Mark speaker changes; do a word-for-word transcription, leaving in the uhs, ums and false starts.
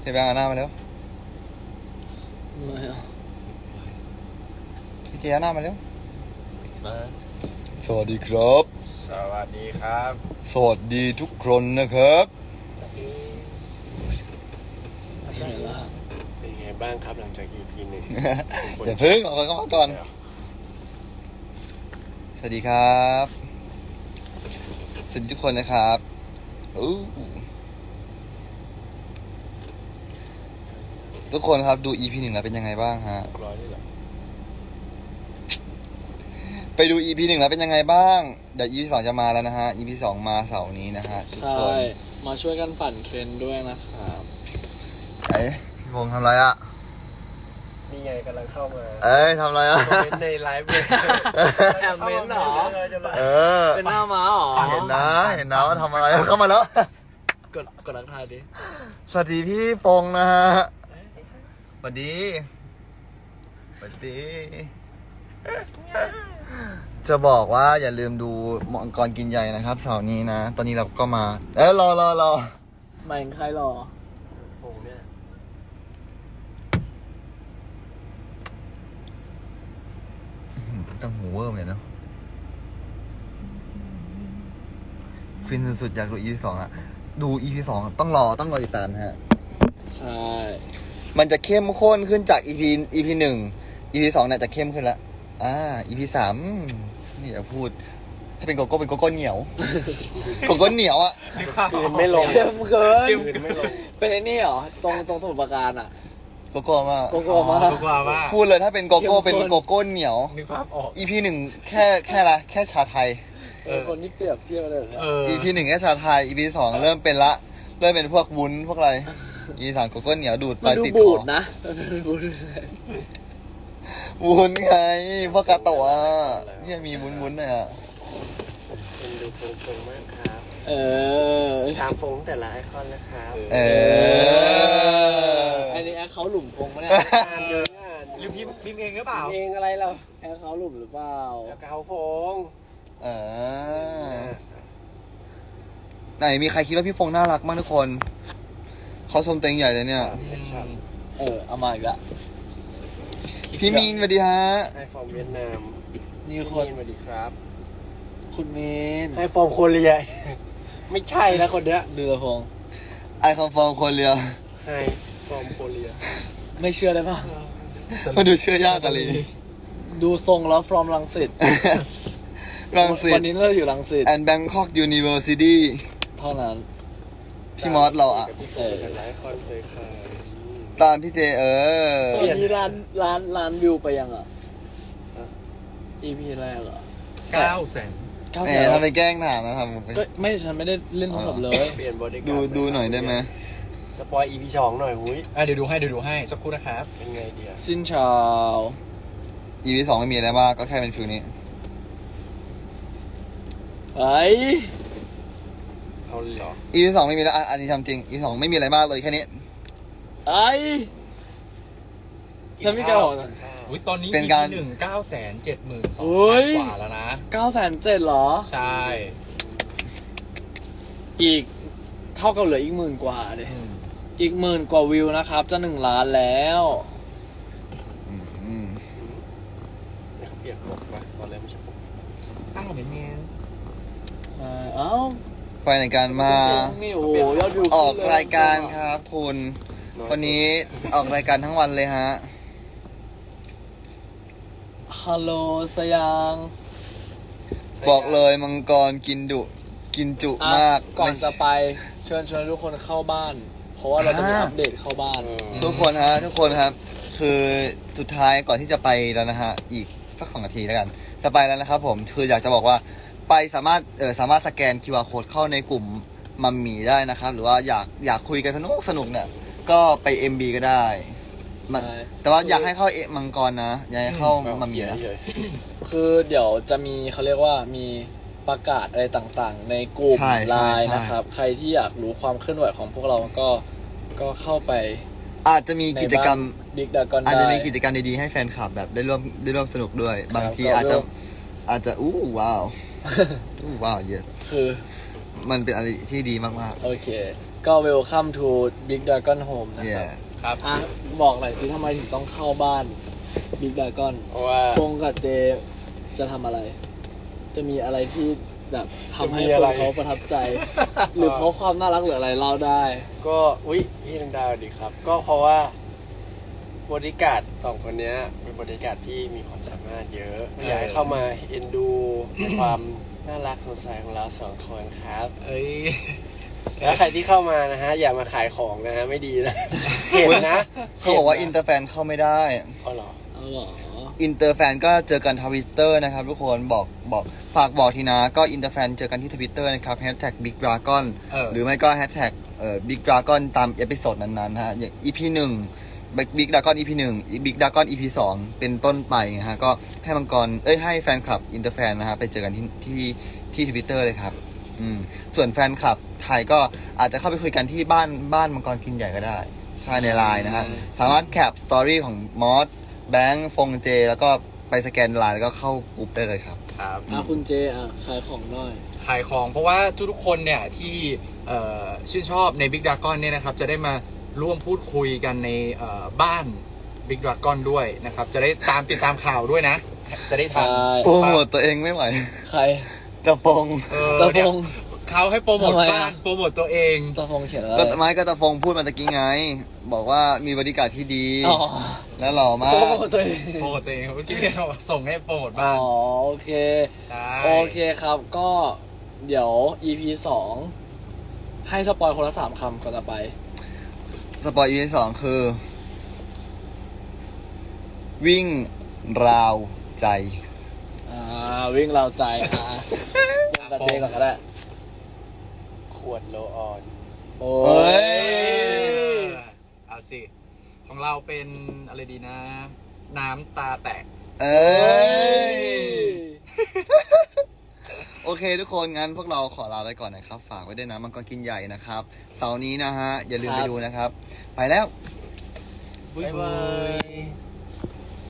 Speaker 1: เฮ้ยแบงค์เอาหน้ามาเร็ว
Speaker 2: ไม่เอา
Speaker 1: พี่เจเอาหน้ามาเร็วสวัสดีครับ
Speaker 3: สวัสดีครับ
Speaker 1: สวัสดีทุกคนนะครับ
Speaker 2: ใช่ละ
Speaker 3: เป็นไงบ้างครับหลังจาก อี พี หนึ่ง
Speaker 1: อย่าเพิ่งออกกันมาก่อนสวัสดีครับสวัสดีทุกคนนะครับอู้ทุกคนครับดู อี พี หนึ่งแล้วเป็นยังไงบ้างฮะ
Speaker 3: ร้อยนี่เหรอ
Speaker 1: ไปดู อี พี หนึ่งแล้วเป็นยังไงบ้างเดี๋ยว อี พี สองจะมาแล้วนะฮะ อี พี สองมาเสาร์นี้นะฮะทุก
Speaker 2: ใช่
Speaker 1: คน
Speaker 2: มาช่วยกันปั่นเทรนด์ด้วยนะครับ
Speaker 1: ไอ้พี่พงษ์ทำอะไรอ่ะ
Speaker 3: นี่ไงกำลังเข้ามา
Speaker 1: เอ้ยทำอะไรอ่ะ
Speaker 3: คอมเมนต์ในไลฟ์เลย
Speaker 2: แอบเม้นเหรอ
Speaker 1: เออ
Speaker 2: เป็นหน้าม้าเหรอ
Speaker 1: เห็นนะเห็นนะว่าทำอะไรเข้ามาแล้ว
Speaker 2: กดกดรักทายดิ
Speaker 1: สวัสดีพี่พงษ์นะฮะสวัสดีสวัสดี จะบอกว่าอย่าลืมดูมังกรกินใหญ่นะครับเสาร์นี้นะ ตอนนี้เราก็มา เอ้ยรอรอรอ
Speaker 2: หมายถึงใครหรอ
Speaker 3: โอ้เนี่ย
Speaker 1: ต้องหูเวอร์เหมือนกันเนาะฟินสุดๆอยากดู อี พี สองอะดู อี พี สองต้องรอต้องรอติดตามนะฮะ
Speaker 2: ใช่
Speaker 1: มันจะเข้มข้นขึ้นจาก อี พี อี พี หนึ่ง อี พี สองเนี่ยจะเข้มขึ้นละอ่า อี พี สามนี่อย่าพูด ถ้าเป็นโกโก้เป็นโกโก้เหนียว โกโก้เหนียวอะ
Speaker 3: คืนไม่ลง
Speaker 2: เข้มเกิน
Speaker 3: คืนไม่ลง
Speaker 2: เป็นไอ้นี่เหรอ ตรงตรงสมุทรปราการอ่ะ
Speaker 1: โกโก้มาก
Speaker 2: โกโก้มา
Speaker 3: ทุกว่าว่า
Speaker 1: พูดเลยถ้าเป็นโกโก้
Speaker 2: เข้มข้น
Speaker 1: เป็นโกโก้เหนียว
Speaker 3: นึกภาพออก
Speaker 1: อี พี หนึ่งแค่แค่ละแค่ชาไทย
Speaker 2: เออคนที่เปรียบเทียบเลยนะ
Speaker 3: เออ
Speaker 1: อี พี หนึ่งแค่ชาไทย อี พี สองเริ่มเป็นละ เริ่มเป็นพวกวุ้นพวกอะไร อี พี สามโกโก้เหนียวดูดไป
Speaker 2: มันดู
Speaker 1: ติดค
Speaker 2: บู
Speaker 1: อ
Speaker 2: ดนะมันดูบูดเลย
Speaker 1: วุ้นไงพวกกาโตะอ่ะที่มีวุ้นวุ้นๆหน่อยอ่ะ
Speaker 3: เป็นดูฟงฟงมากครับ
Speaker 2: เออ
Speaker 3: ตามฟงแต่ละไอคอนนะครับ
Speaker 1: เออ
Speaker 2: อันนี้แอคเขาหลุมพงปะเนี่ย
Speaker 3: อ่านเยอะอ่าน
Speaker 4: หรือพิมพ์พิมพ์เองหรือเปล่า
Speaker 3: เองอะไรเรา
Speaker 2: แอคเขาหลุมหรือเปล่า
Speaker 3: แล้วก็เขาฟง
Speaker 1: เออไหนมีใครคิดว่าพี่ฟงน่ารักบ้างทุกคนเขาชมเต็งใหญ่เลยเนี่ย
Speaker 3: แอคชั่น
Speaker 2: เออเอามาอีกละ
Speaker 1: พี่มีนสวัสดีฮะ
Speaker 3: ไอฟอร์มเวียดนาม
Speaker 2: นี่
Speaker 3: พี่
Speaker 2: ค
Speaker 3: มี
Speaker 2: น
Speaker 3: นสวัสดีครับ
Speaker 2: คุณเมน
Speaker 3: ไอฟอร์มโคเรีย ไม่ใช่แล้วคนเนี้ย
Speaker 2: เดือพงษ์
Speaker 1: ไอคอนฟอร์มคนเรียว
Speaker 3: ไอฟอร์มโคเรีย
Speaker 2: ไม่เชื่อได้ปะ
Speaker 1: มาดูเชื่อยากกันเลย
Speaker 2: ดูทรงแล้ว from รังสิต
Speaker 1: รังสิ
Speaker 2: วั
Speaker 1: ต
Speaker 2: นนี้เราอยู่รังสิต
Speaker 1: and Bangkok University
Speaker 2: เท่านั้น
Speaker 1: พี่มอสเราอ่ะ
Speaker 3: กับพี่ฟงแต่ละไอคอนเลยค่ะ
Speaker 1: ตามพี่เจเออ
Speaker 2: ตอนนี้ร้านร้านร้านวิวไปยังอ่ะ อี พี แรกเหรอ
Speaker 4: เก้าแสน
Speaker 2: เก้า
Speaker 1: แห
Speaker 2: แส
Speaker 1: ม
Speaker 2: น
Speaker 1: ทำไปแกล้งถามนะทำไป
Speaker 2: ก็ไม่ฉันไม่ได้เล่นโทรศัพท์เลย
Speaker 3: เปลี่ยนบริการ
Speaker 1: ดูดูหน่อยได้ไหม
Speaker 3: สปอย อี พี สองหน่อยหุ้ย
Speaker 4: อ่ะเดี๋ยวดูให้เดี๋ยวดูให้สักครู่นะครับ
Speaker 3: เป็นไงเดีย
Speaker 2: สิ้นชาว
Speaker 1: อี พี สองไม่มีอะไรมากก็แค่เป็นฟิลนี้
Speaker 2: ไอ้
Speaker 3: เอาเลยเหรอ
Speaker 1: อี พี สองไม่มีแล้วอ่ะอันนี้ทำจริง อี พี สองไม่มีอะไรมากเลยแค่นี้
Speaker 2: ไอ้แล้วมีการบอก
Speaker 3: กินข้าว
Speaker 4: อุ้ยตอนนี้
Speaker 1: เป็นการ
Speaker 4: หนึ่งเก้าแสนเจ็ดหมื่นสอง
Speaker 2: โอ้ย
Speaker 4: กว่าแล้วนะ
Speaker 2: เก้าแสนเจ็ดเหรอ
Speaker 4: ใช่
Speaker 2: อีกเท่ากับเหลืออีกหมื่นกว่าเลย
Speaker 4: อืม
Speaker 2: อีกหมื่นกว่าวิวนะครับ จะหนึ่งล้านแล้ว
Speaker 1: อืม
Speaker 3: ไม่เขาเปลี่ยนปกปะตอนแรกไม่ใช่ปก
Speaker 4: อ้าวเป็นไง
Speaker 2: อ่าเอ้า
Speaker 1: ไปในการมา
Speaker 2: นี่โอ้โหยอดวิว
Speaker 1: ออก
Speaker 2: ขึ้นเลย
Speaker 1: รายการครับคุณ
Speaker 3: อย
Speaker 1: วันนี้ออกรายการทั้งวันเลยฮะ
Speaker 2: ฮัลโหลสยาง
Speaker 1: บอกเลยมังกรกินดุ กินจุ
Speaker 2: อ่ะ
Speaker 1: มาก
Speaker 2: ก่อน
Speaker 1: ไม่
Speaker 2: จะไปเชิญชวนทุกคนเข้าบ้าน เพราะว่าเราจะมี
Speaker 1: อ่า
Speaker 2: อัปเดตเข้าบ้าน
Speaker 3: เออ
Speaker 1: ทุกคนฮะทุกคนครับ คือสุดท้ายก่อนที่จะไปแล้วนะฮะ อีกสักสองนาทีแล้วกัน จะไปแล้วนะครับผม คืออยากจะบอกว่าไปสามารถเออสามารถสแกน คิว อาร์ Code เข้าในกลุ่มมัมหมี่ได้นะครับ หรือว่าอยากอยากคุยกันสนุกสนุกเนี่ย ก็ไป เอ็ม บี ก็ได้มัน
Speaker 2: ใช่
Speaker 1: แต่ว่าอยากให้เข้าเอมังกรนะอยากให้เข้ามัมหมี่นะ
Speaker 3: เฉย
Speaker 2: คือเดี๋ยวจะมีเขาเรียกว่ามีประกาศอะไรต่างๆ ในกลุ่ม
Speaker 1: ใช่
Speaker 2: ไล
Speaker 1: ใช่
Speaker 2: น์
Speaker 1: ใช่
Speaker 2: นะครับ ใครที่อยากรู้ความเคลื่อนไหวของพวกเราก็ก็เข้าไป
Speaker 1: อาจจะมีกิจกรรม
Speaker 2: บิ๊กดากอน
Speaker 1: อาจ
Speaker 2: ได้
Speaker 1: จะมีกิจกรรมดีๆให้แฟนคลับแบบได้ร่วมได้ร่วมสนุกด้วย บางที
Speaker 2: ก็
Speaker 1: อาจจะ
Speaker 2: ร่วม
Speaker 1: อาจจะอู้ว้าว อู้ว้าว yes
Speaker 2: คือ
Speaker 1: มันเป็นอะไรที่ดีมาก
Speaker 2: โอเค ก็ welcome to Big Dragon Home
Speaker 1: ๆ
Speaker 2: นะ
Speaker 1: เย่
Speaker 2: ครับ
Speaker 4: ครับ
Speaker 2: อ่ะบอกหน่อยสิทำไมถึงต้องเข้าบ้าน Big Dragon
Speaker 3: เพราะว่า
Speaker 2: ฟงกับเจจะทำอะไร จะมีอะไรที่แบบทำให้
Speaker 3: จะมี
Speaker 2: ค
Speaker 3: อะไร
Speaker 2: นเขาประทับใจ หรือเพราะความน่ารักหรืออะไรเล่าได้
Speaker 3: ก็อุ๊ยพี่ดังดาวดีครับ ก็เพราะว่าบริการดสองคนเนี้ยเป็นบริการดที่มีความสามารถเยอะอยากให้เข้ามาเอ็นดูในความน่ารักสดใสของเราสองคนครับ
Speaker 4: เอ้ย
Speaker 3: แล้วใครที่เข้ามานะฮะ อย่ามาขายของนะฮะ ไม่ดีนะ เห็นนะ
Speaker 1: เขาบอกว่าอินเตอร์แฟนเข้าไม่ได้
Speaker 3: อ๋อเหรอ
Speaker 2: เอาเหรอ
Speaker 1: อินเตอร์แฟนก็เจอกันทวิตเตอร์นะครับทุกคนบอกบอกฝากบอกทีนะก็อินเตอร์แฟนเจอกันที่ทวิตเตอร์นะครับแฮชแท็กบิ๊กดราก้อน
Speaker 4: เออ
Speaker 1: หรือไม่ก็แฮชแท็กเอ่อบิ๊กดราก้อนตามเอพิโซดนั้นๆนะฮะอย่าง อี พี หนึ่งบิ๊กดราก้อน อี พี หนึ่งบิ๊กดราก้อน อี พี สองเป็นต้นไปนะฮะก็ให้มังกรเอ้ยให้แฟนคลับอินเตอร์แฟนนะฮะไปเจอกันที่ที่ที่ทวิตเตอร์เลยครับอืมส่วนแฟนคลับไทยก็อาจจะเข้าไปคุยกันที่บ้านบ้านมังกรกินใหญ่ก็ได้ใช่ในไลน์นะฮะสามารถแคปสตอรี่ของมอสแบงค์ฟงเจแล้วก็ไปสแกนไลน์แล้วก็เข้ากลุ่มได้เลยครับ
Speaker 4: ครับ
Speaker 2: อ่ะคุณเจอ่ะขายของหน่อย
Speaker 4: ขายของเพราะว่าทุกๆคนเนี่ยที่เอ่อชื่นชอบใน Big Dragon เนี่ยนะครับจะได้มาร่วมพูดคุยกันในเอ่อบ้าน Big Dragon ด้วยนะครับ จะได้ตามติดตามข่าวด้วยนะ จะได้ทัน
Speaker 2: ใช่
Speaker 1: โปรโมทตัวเองไม่ไหว
Speaker 2: ใคร
Speaker 1: ตะปง
Speaker 4: เออ
Speaker 2: ตะพ
Speaker 4: เนี่ย
Speaker 2: ง
Speaker 4: เขาให้โปรโมท
Speaker 2: ทำไมอะ
Speaker 4: บ้านโปรโมทตัวเอง
Speaker 2: ตะพงเขียนอะไร
Speaker 1: ก็ไม้ก็ตะฟงพูดมาตะกี้ไง บอกว่ามีบริการที่ดี
Speaker 2: อ๋อ
Speaker 1: และหล่อมา
Speaker 2: โปร
Speaker 1: ก
Speaker 2: โมทตัวเอง
Speaker 4: โปรโมทตัวเองเมื่อกี้เนี่ยส่งให้โปรโมท
Speaker 2: อ๋
Speaker 4: บ้า
Speaker 2: อน โอเค
Speaker 4: ใช่
Speaker 2: โอเคครับก็เดี๋ยว อี พี สองให้สปอยคนละสามคำก่อนจะไป
Speaker 1: สปอยอีพีสองคือ วิ่งราวใจ
Speaker 2: อ่า วิ่งเราใจ อ่ากับเจก่อนก็ได้
Speaker 3: ขวดโลออน
Speaker 2: โอ้
Speaker 1: เฮ้
Speaker 2: ย
Speaker 1: ย
Speaker 4: เอาสิ ของเราเป็นอะไรดีนะ น้ำตาแตก
Speaker 1: เอ้ย โอเคทุกคนงั้นพวกเราขอลาไปก่อนนะครับ ฝากไว้ด้วยนะมังกรกินใหญ่นะครับ เสาร์นี้นะฮะ อย่าลืมไปดูนะครับ ไปแล้ว
Speaker 3: บ๊ายบาย